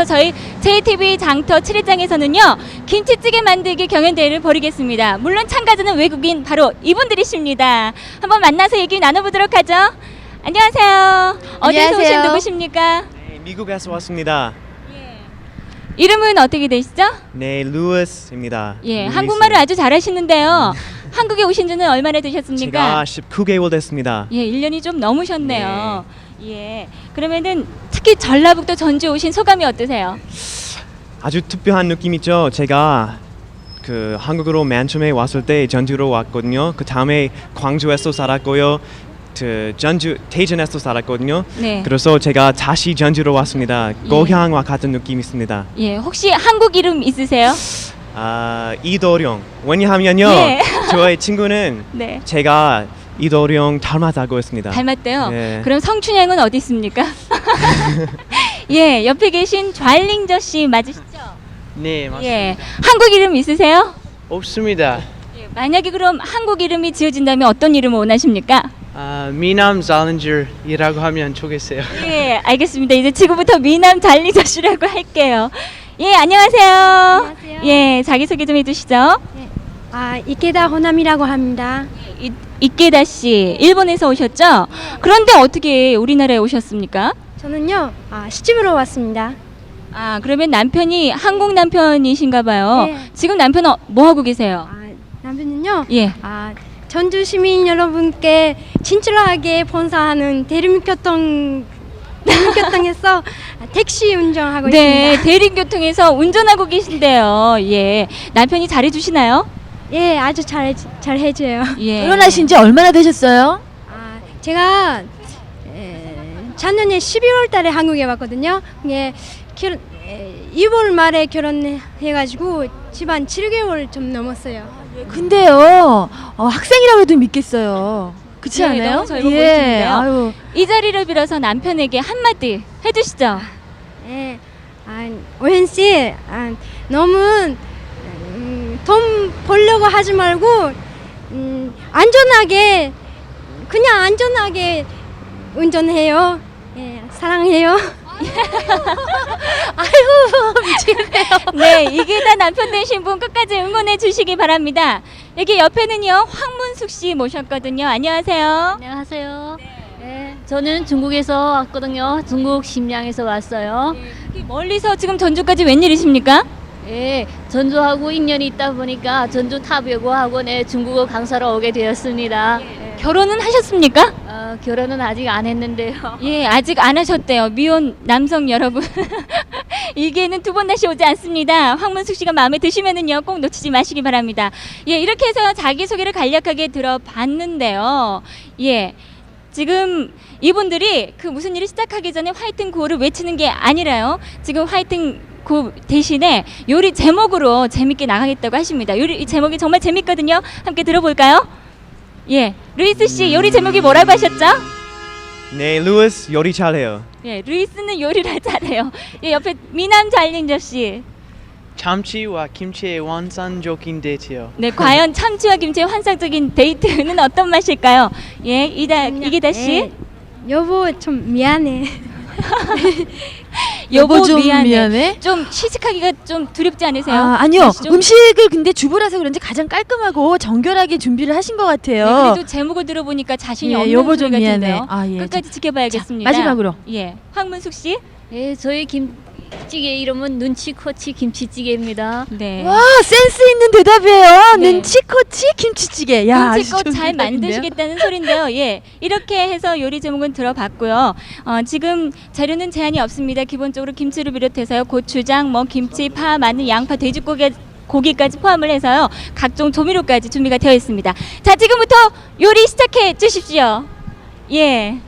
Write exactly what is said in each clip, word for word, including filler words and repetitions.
저희 제이티비 장터 칠 회장에서는요 김치찌개 만들기 경연대회를 벌이겠습니다. 물론 참가자는 외국인 바로 이분들이십니다. 한번 만나서 얘기 나눠보도록 하죠. 안녕하세요. 어디서 오신 안녕하세요. 누구십니까? 네, 미국에서 왔습니다. 이름은 어떻게 되시죠? 네, 루이스입니다. 예, 루이스. 한국말을 아주 잘하시는데요. 한국에 오신 지는 얼마나 되셨습니까? 제가 십구 개월 됐습니다. 예, 일 년이 좀 넘으셨네요. 예. 그러면은 특히 전라북도 전주 오신 소감이 어떠세요? 아주 특별한 느낌 있죠. 제가 그 한국으로 맨 처음에 왔을 때 전주로 왔거든요. 그 다음에 광주에서 살았고요. 그 전주 대전에서 살았거든요. 네. 그래서 제가 다시 전주로 왔습니다. 예. 고향과 같은 느낌이 있습니다. 예, 혹시 한국 이름 있으세요? 아, 이도령. 왜냐하면요. 예. 저의 친구는 네. 제가 이도령 닮았다고 했습니다. 닮았대요. 네. 그럼 성춘향은 어디 있습니까? 예, 옆에 계신 좌일링저 씨 맞으시죠? 네, 맞습니다. 예, 한국 이름 있으세요? 없습니다. 예, 만약에 그럼 한국 이름이 지어진다면 어떤 이름을 원하십니까? 아, 미남 잘렌저이라고 하면 좋겠어요. 예, 알겠습니다. 이제 지금부터 미남 잘리저 씨라고 할게요. 예, 안녕하세요. 안녕하세요. 예, 자기소개 좀 해주시죠. 아, 이케다 호남이라고 합니다. 이, 이케다 씨, 일본에서 오셨죠? 그런데 어떻게 우리나라에 오셨습니까? 저는요, 아, 시집으로 왔습니다. 아, 그러면 남편이 한국 남편이신가 봐요. 네. 지금 남편은 뭐 하고 계세요? 아, 남편은요, 예. 아, 전주 시민 여러분께 친절하게 본사하는 대림교통 대림교통에서 택시 운전하고 네, 있습니다. 대림교통에서 운전하고 계신데요. 예. 남편이 잘해주시나요? 예, 아주 잘, 잘 해줘요. 예. 결혼하신 지 얼마나 되셨어요? 아, 제가 에, 작년에 십이월 달에 한국에 왔거든요. 예, 결, 에, 이월 말에 결혼해가지고 집안 칠 개월 좀 넘었어요. 근데요, 어, 학생이라고 해도 믿겠어요. 그렇지 예, 않아요? 너무 젊어 보이시는데요. 아유, 이 자리를 빌어서 남편에게 한마디 해주시죠. 예, 아, 오현 씨, 아, 너무 음, 돈 벌려고 하지 말고 음, 안전하게 그냥 안전하게 운전해요. 예, 사랑해요. 네, 이게 다 남편 되신 분 끝까지 응원해 주시기 바랍니다. 여기 옆에는요, 황문숙 씨 모셨거든요. 안녕하세요. 안녕하세요. 네. 저는 중국에서 왔거든요. 중국 심양에서 왔어요. 네, 멀리서 지금 전주까지 웬일이십니까? 예, 전주하고 인연이 있다 보니까 전주 탑여고 학원에 중국어 강사로 오게 되었습니다. 결혼은 하셨습니까? 어, 결혼은 아직 안 했는데요. 예, 아직 안 하셨대요. 미혼 남성 여러분. 이게는 두 번 다시 오지 않습니다. 황문숙 씨가 마음에 드시면은요, 꼭 놓치지 마시기 바랍니다. 예, 이렇게 해서 자기소개를 간략하게 들어봤는데요. 예, 지금 이분들이 그 무슨 일을 시작하기 전에 화이팅 구호를 외치는 게 아니라요. 지금 화이팅 구 대신에 요리 제목으로 재밌게 나가겠다고 하십니다. 요리 이 제목이 정말 재밌거든요. 함께 들어볼까요? 예, 루이스 씨 요리 제목이 뭐라고 하셨죠? 네, 루이스 요리 잘해요. 예, 루이스는 요리를 잘해요. 예, 옆에 미남 잘린저 씨. 참치와 김치의 완성적인 데이트요. 네, 과연 참치와 김치의 환상적인 데이트는 어떤 맛일까요? 예, 이다 이기다 씨. 예, 여보 좀 미안해. 여보 좀 미안해. 미안해. 좀 시식하기가 좀 두렵지 않으세요? 아, 아니요. 맛이 좀- 음식을 근데 주부라서 그런지 가장 깔끔하고 정결하게 준비를 하신 것 같아요. 네, 그래도 제목을 들어보니까 자신이 예, 없는 여보 좀 소리 미안해. 같은데요. 아, 예. 끝까지 지켜봐야겠습니다. 자, 마지막으로. 예, 황문숙 씨. 예, 저희 김치찌개 이름은 눈치코치 김치찌개입니다. 네. 와, 센스 있는 대답이에요. 네. 눈치코치 김치찌개. 야, 아주 눈치껏 좋은 잘 대답인데요. 만드시겠다는 소린데요. 예, 이렇게 해서 요리 제목은 들어봤고요. 어, 지금 재료는 제한이 없습니다. 기본적으로 김치를 비롯해서요, 고추장, 뭐 김치, 파, 마늘, 양파, 돼지고기 고기까지 포함을 해서요, 각종 조미료까지 준비가 되어 있습니다. 자, 지금부터 요리 시작해 주십시오. 예.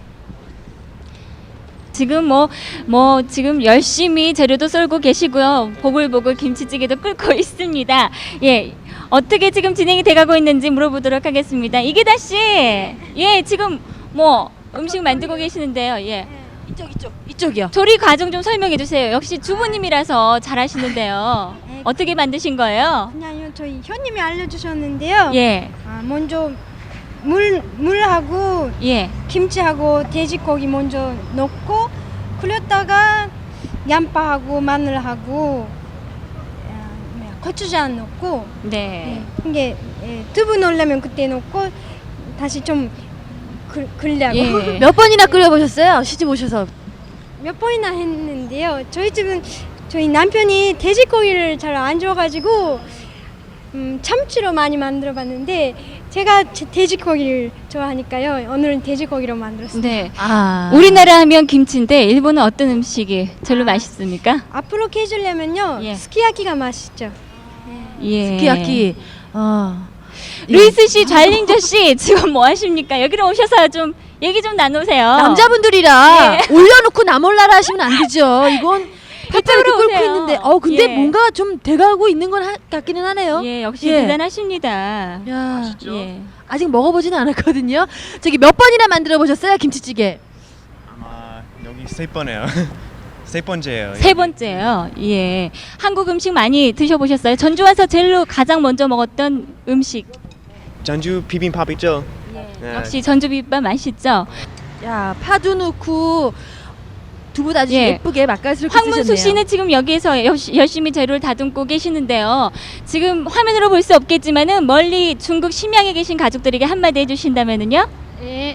지금 뭐, 뭐, 지금 열심히 재료도 썰고 계시고요. 보글보글 김치찌개도 끓고 있습니다. 예. 어떻게 지금 진행이 돼가고 있는지 물어보도록 하겠습니다. 이기다 씨! 예, 지금 뭐, 음식 만들고 계시는데요. 예. 이쪽, 이쪽, 이쪽이요. 조리 과정 좀 설명해 주세요. 역시 주부님이라서 잘하시는데요. 어떻게 만드신 거예요? 그냥요, 저희 현님이 알려주셨는데요. 예, 아, 먼저 물 물하고 예. 김치하고 돼지고기 먼저 넣고 끓였다가 양파하고 마늘하고 아, 뭐야, 고추장 넣고 네. 네. 이게 예, 두부 넣으려면 그때 넣고 다시 좀 글, 글려고 예. 몇 번이나 끓여보셨어요? 시집 오셔서. 몇 번이나 했는데요. 저희 집은 저희 남편이 돼지고기를 잘 안 좋아가지고 음, 참치로 많이 만들어봤는데 제가 제- 돼지고기를 좋아하니까요. 오늘은 돼지고기로 만들었습니다. 네. 아. 우리나라 하면 김치인데 일본은 어떤 음식이 별로 맛있습니까? 앞으로 해주려면요 예. 스키야키가 맛있죠. 예. 스키야키. 어. 루이스 씨, 잘린저 씨 지금 뭐 하십니까? 여기로 오셔서 좀 얘기 좀 나누세요. 남자분들이라 예. 올려놓고 나 몰라라 하시면 안 되죠. 이건 팔팔 이렇게 이쪽으로 끓고 오세요. 있는데, 어 근데 예. 뭔가 좀 돼가고 있는 건 하, 같기는 하네요. 예, 역시 예. 대단하십니다. 야, 예. 아직 먹어보지는 않았거든요. 저기 몇 번이나 만들어 보셨어요, 김치찌개? 아마 여기 세 번이에요. 세 번째예요. 세 번째요. 예. 한국 음식 많이 드셔보셨어요? 전주 와서 제일로 가장 먼저 먹었던 음식. 전주 비빔밥 있죠? 네. 역시 전주 비빔밥 맛있죠? 야, 파도 넣고 두부 아주 예. 예쁘게 맛깔스럽게 황문수 쓰셨네요. 씨는 지금 여기에서 여- 열심히 재료를 다듬고 계시는데요. 지금 화면으로 볼 수 없겠지만은 멀리 중국 심양에 계신 가족들에게 한마디 해주신다면은요? 예.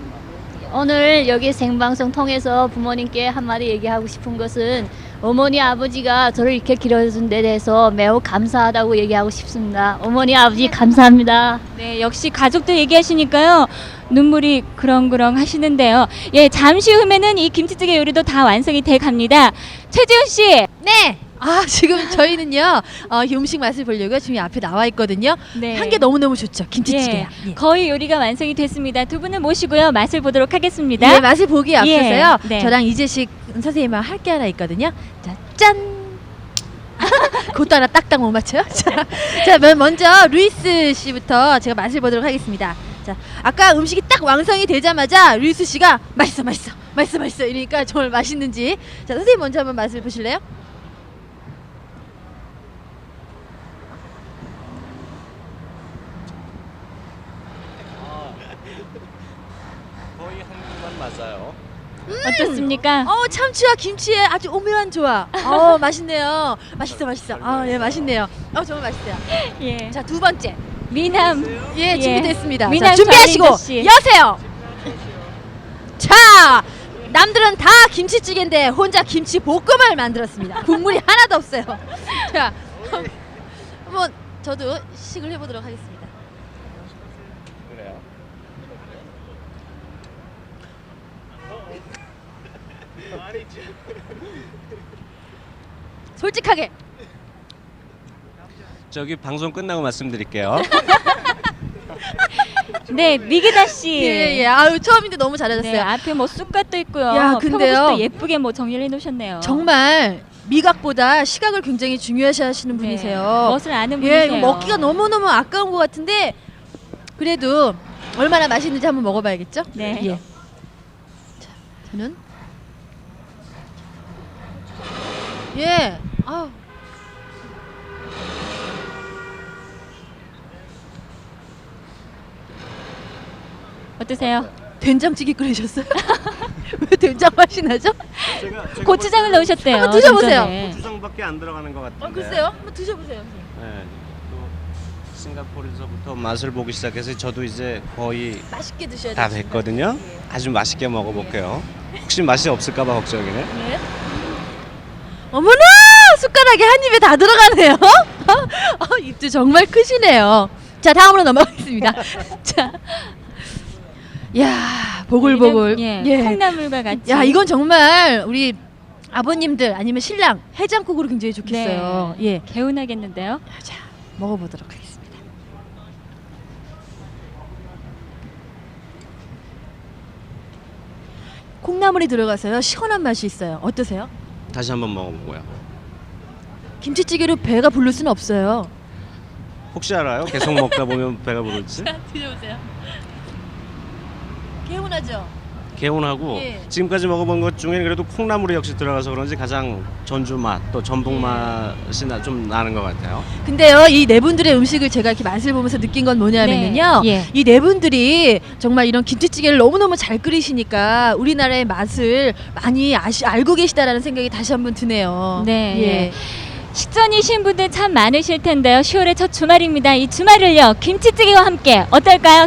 오늘 여기 생방송 통해서 부모님께 한마디 얘기하고 싶은 것은 어머니 아버지가 저를 이렇게 길러준 데 대해서 매우 감사하다고 얘기하고 싶습니다. 어머니 아버지 감사합니다. 네, 역시 가족들 얘기하시니까요. 눈물이 그렁그렁 하시는데요. 예, 잠시 후면은 이 김치찌개 요리도 다 완성이 돼 갑니다. 최지훈 씨. 네. 아 지금 저희는요 어, 이 음식 맛을 보려고 지금 앞에 나와 있거든요. 네. 한 게 너무 너무 좋죠. 김치찌개야. 예, 예. 거의 요리가 완성이 됐습니다. 두 분을 모시고요. 맛을 보도록 하겠습니다. 예, 맛을 보기 앞서서요. 예, 네. 저랑 이재식 선생님과 할 게 하나 있거든요. 자, 짠. 그것도 하나 딱딱 못 맞춰요. 자, 자, 맨 먼저 루이스 씨부터 제가 맛을 보도록 하겠습니다. 자, 아까 음식이 딱 완성이 되자마자 루이스 씨가 맛있어, 맛있어, 맛있어, 맛있어 이러니까 정말 맛있는지. 자, 선생님 먼저 한번 맛을 보실래요? 거의 한국만 맞아요. 어떻습니까? 어 참치와 김치의 아주 오묘한 조합. 어 맛있네요. 맛있어 맛있어. 아예 맛있네요. 어 정말 맛있어요. 예. 자 두 번째. 미남. 예 예. 준비됐습니다. 미남 자, 준비하시고 전인도 씨. 여세요. 자 남들은 다 김치찌개인데 혼자 김치 볶음을 만들었습니다. 국물이 하나도 없어요. 자 한번 저도 시식을 해보도록 하겠습니다. 그래요. 솔직하게. 저기 방송 끝나고 말씀드릴게요. 네, 미기다 씨. 예예. 아유 처음인데 너무 잘하셨어요. 네, 앞에 뭐 쑥갓도 있고요. 야, 근데요. 표고버섯도 예쁘게 뭐 정리를 해놓으셨네요. 정말 미각보다 시각을 굉장히 중요시하시는 네, 분이세요. 멋을 아는 분이세요. 예, 이거 먹기가 너무 너무 아까운 것 같은데 그래도 얼마나 맛있는지 한번 먹어봐야겠죠? 네. 예. 자, 저는 예, 아, 어떠세요? 된장찌개 끓이셨어요? 왜 된장 맛이 나죠? 제가, 제가 고추장을 넣으셨대요. 한번 드셔보세요. 좀 전에. 고추장밖에 안 들어가는 것 같은데. 어, 글쎄요, 한번 드셔보세요. 네. 또 싱가포르에서부터 맛을 보기 시작해서 저도 이제 거의 맛있게 드셔야 다 돼요. 됐거든요. 아주 맛있게 먹어볼게요. 혹시 맛이 없을까봐 걱정이네. 예. 어머나 숟가락에 한 입에 다 들어가네요. 어, 입도 정말 크시네요. 자 다음으로 넘어가겠습니다. 자, 야 보글보글. 예, 예. 콩나물과 같이. 야 이건 정말 우리 아버님들 아니면 신랑 해장국으로 굉장히 좋겠어요. 네. 예. 개운하겠는데요. 자 먹어보도록 하겠습니다. 콩나물이 들어가서요 시원한 맛이 있어요. 어떠세요? 다시 한번 먹어보고요. 김치찌개로 배가 부를 수는 없어요. 혹시 알아요? 계속 먹다 보면 배가 부를지? 드셔보세요. 개운하죠? 개운하고 예. 지금까지 먹어본 것 중에 그래도 콩나물이 역시 들어가서 그런지 가장 전주 맛 또 전북 예. 맛이 나, 좀 나는 것 같아요. 근데요, 이 네 분들의 음식을 제가 이렇게 맛을 보면서 느낀 건 뭐냐면요. 네, 예. 이 네 분들이 정말 이런 김치찌개를 너무너무 잘 끓이시니까 우리나라의 맛을 많이 아시, 알고 계시다라는 생각이 다시 한번 드네요. 네, 예. 예. 식전이신 분들 참 많으실 텐데요. 시월의 첫 주말입니다. 이 주말을요 김치찌개와 함께 어떨까요?